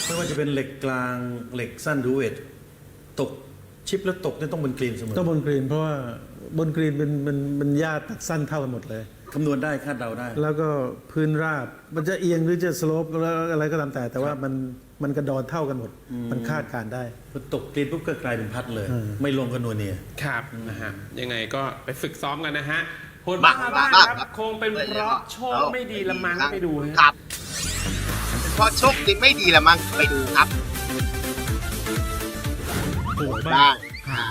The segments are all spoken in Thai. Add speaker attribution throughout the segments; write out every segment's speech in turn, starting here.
Speaker 1: ไม่ว่าจะเป็นเหล็กกลางเหล็กสั้นหรือเวทตกชิปแล้วตกเนี่ยต้องบนกรีนเสมอ
Speaker 2: ต้องบนกรีนเพราะว่าบนกรีนเป็นหญ้าตัดสั้นเท่ากันหมดเลย
Speaker 1: คำนวณได้คาดเดาได้
Speaker 2: แล้วก็พื้นราบมันจะเอียงหรือจะสโลปอะไรก็ตามแต่ว่ามันกระดอนเท่ากันหมดมันคาดการได้
Speaker 1: พอตกกรีนปุ๊บก็กลายเป็นพัดเลยไม่ลงกันนัวเนีย
Speaker 3: ครับนะฮะยังไงก็ไปฝึกซ้อมกันนะฮะผลบ้าครับคงเป็นเพราะโชคไม่ดีละมั้งไปดู
Speaker 4: ครับเพราะโชคดีไม่ดีละมั้งไปดูครับ
Speaker 2: บ้าง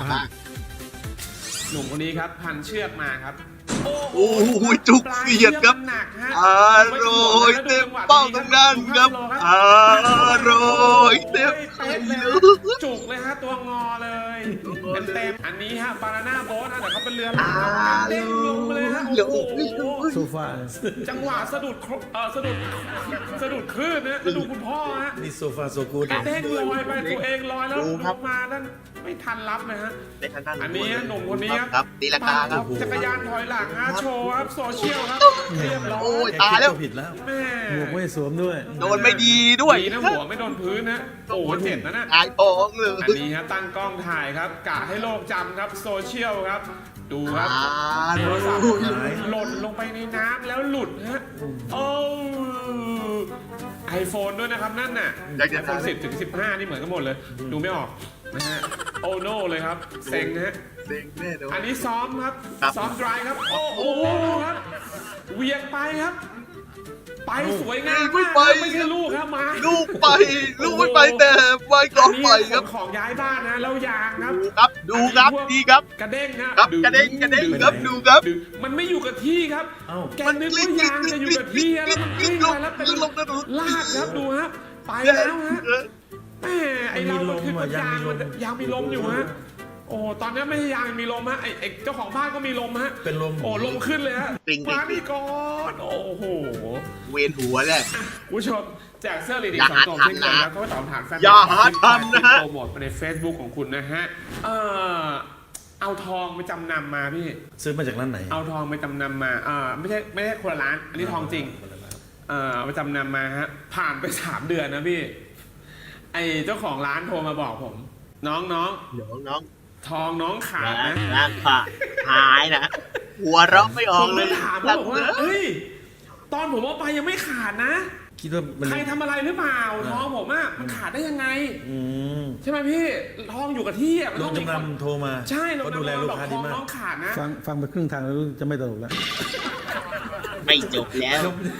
Speaker 3: หนุ่มคนนี้ครับพันเชือกมาครับ
Speaker 4: โอ้โหจุกเสียดครับอร่อยเต็มเป้าตรงนั้นครับอร่อยเต็ม
Speaker 3: จุกเลยฮะตัวงอเลยเต็มอันนี้ฮะบานาน่าโบ๊ทนะแต่เขาเป็นเรือเด้งลงเลยฮะโอ้โห
Speaker 2: โซฟา
Speaker 3: จังหวะสะดุดคลื่นนะดูคุณพ่อฮะ
Speaker 1: นี่โซฟาโซกูด
Speaker 3: เด้งลอยไปตัวเองลอยแล้วลงมานั่นไม่ทันรับนะฮะอันนี้หนุ่มคนนี้
Speaker 4: ครับตีลังกาครับ
Speaker 3: จักรยานถอยหลังฮะโชว์ครับโซเชียลครับเรียบร้อย
Speaker 4: โอ้ยตายแล้ว
Speaker 1: ผิดแล้ว
Speaker 3: แม่
Speaker 2: หมวกไม่สวมด้วย
Speaker 4: โดนไม่ดีด้วย
Speaker 3: นะหัวไม่โดนพื้นนะโอ้เจ็บนะ
Speaker 4: ตายท้องเลย
Speaker 3: อันนี้ฮะตั้งกล้องถ่ายครับกะให้โลกจำครับโซเชียลครับดูครับโทรศัพท์หล่นลงไปในน้ำแล้วหลุดฮะโอ้ไอโฟนด้วยนะครับนั่นน่ะไอโฟน10 ถึง 15นี่เหมือนกันหมดเลยดูไม่ออกนะฮะโอโน่เลยครับเซ็งนะฮะอันนี้ซ้อมครับซ้อมดรายครับโอ้โหครับเวียงไปครับไปสวยงามมากไม่ใช่ลูกครับมา
Speaker 4: ลูกไม่ไปแต่ไว้กองไปครับ
Speaker 3: ของย้ายบ้านนะแล้วยางครับ
Speaker 4: ดูครับดีครับ
Speaker 3: กระเด้งครับ
Speaker 4: กระเด้งครับดูครับ
Speaker 3: มันไม่อยู่กับที่ครับแกนึกว่ายางจะอยู่กับที่แล้วมันวิ่งไปแล้วเป็นลากครับดูฮะไปแล้วฮะแม่ไอเราคือยางมีลมอยู่ฮะโอ้ตอนนี้ไม่ใช่ยางมีลมฮะไอเจ้าของบ้านก็มีลมฮะ
Speaker 1: เป็นลม
Speaker 3: โอ้ลมขึ้นเลยฮะมานี่ก่อนโอ้โห
Speaker 4: เวียนหัวเลย
Speaker 3: ผู้ชมแจกเสื้อลีดี2 ตัวเช่นกันแล้วก็ตอบถามแฟนโปรโมทใน Facebook ของคุณนะฮะเอาทองไปจำนำมาพี่
Speaker 1: ซื้อมาจากร้านไหน
Speaker 3: เอาทองไปจำนำมาไม่ใช่คนละร้านอันนี้ทองจริงไปจำนำมาฮะผ่านไป3 เดือนนะพี่ไอเจ้าของร้านโทรมาบอกผมน้องทองน้องขาดนะ
Speaker 4: หายนะหัวเราไม่ออกเลย
Speaker 3: ถามบอกว่าเฮ้ยตอนผมเอาไปยังไม่ขาดนะ
Speaker 1: คิดว่า
Speaker 3: ใครทำอะไรหรือเปล่าทองผมอะมันขาดได้ยังไงใช่ไหมพี่ทองอยู่กับที่อะ
Speaker 1: ลงจำนำโทรมา
Speaker 3: ใช่
Speaker 1: เราดูแลลูกค้าดีมาก
Speaker 3: น้องขาดนะ
Speaker 2: ฟังไปครึ่งทางแล้วจะไม่ตลกแล้ว
Speaker 4: ไม่จบแล้ว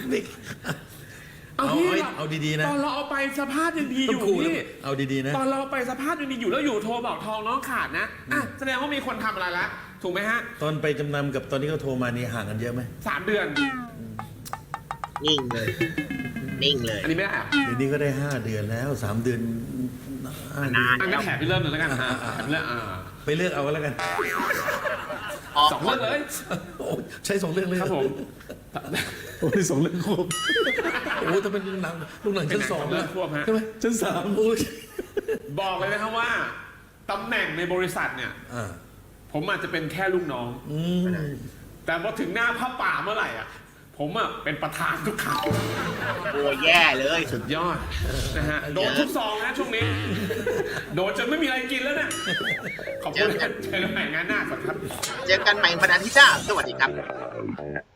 Speaker 1: เอาดีๆนะ
Speaker 3: ตอนเราเอาไปสภาพยังดีอยู่พี่
Speaker 1: เอาดีๆนะ
Speaker 3: ตอนเราไปสภาพยังดีอยู่แล้วอยู่โทรบอกทองน้องขาดนะแสดงว่ามีคนทำอะไรละถูกไหมฮะ
Speaker 1: ตอนไปจำนำกับตอนที่เขาโทรมานี่ห่างกันเยอะไหม
Speaker 3: 3 เดือน
Speaker 4: นิ่งเลย
Speaker 3: อันนี้ไม่ได้
Speaker 1: เดี๋ยวนี้ก็ได้5 เดือนแล้ว3 เดือน
Speaker 3: นานก็แถบไปเริ่มเลยแล้วกัน
Speaker 1: ไปเลือกเอาแล้วกัน
Speaker 3: 2 เรื่องเลย
Speaker 1: ใช้2 เรื่องเลย
Speaker 3: ครับผม
Speaker 2: โอ้ย2 เรื่องครบ
Speaker 1: โอ้ถ้าเป็นลูกหนังชั้น2
Speaker 3: เรื่องควบฮะ
Speaker 1: ใช่ไหมชั้น3โอ้ย
Speaker 3: บอกเลยนะครับว่าตำแหน่งในบริษัทเนี่ยผมอาจจะเป็นแค่ลูกน้องแต่พอถึงหน้าผ้าป่าเมื่อไหร่อ่ะผมอ่ะเป็นประธานทุกครั้ง
Speaker 4: โอ้ยแย่เลย
Speaker 3: สุดยอดนะฮะโดนทุกซองนะช่วงนี้โดนจนไม่มีอะไรกินแล้วเนี่ยขอบคุณเจอกันใหม่งานหน้าสวัสดีครับ
Speaker 4: เจอกันใหม่วันอาทิตย์หน้าสวัสดีครับ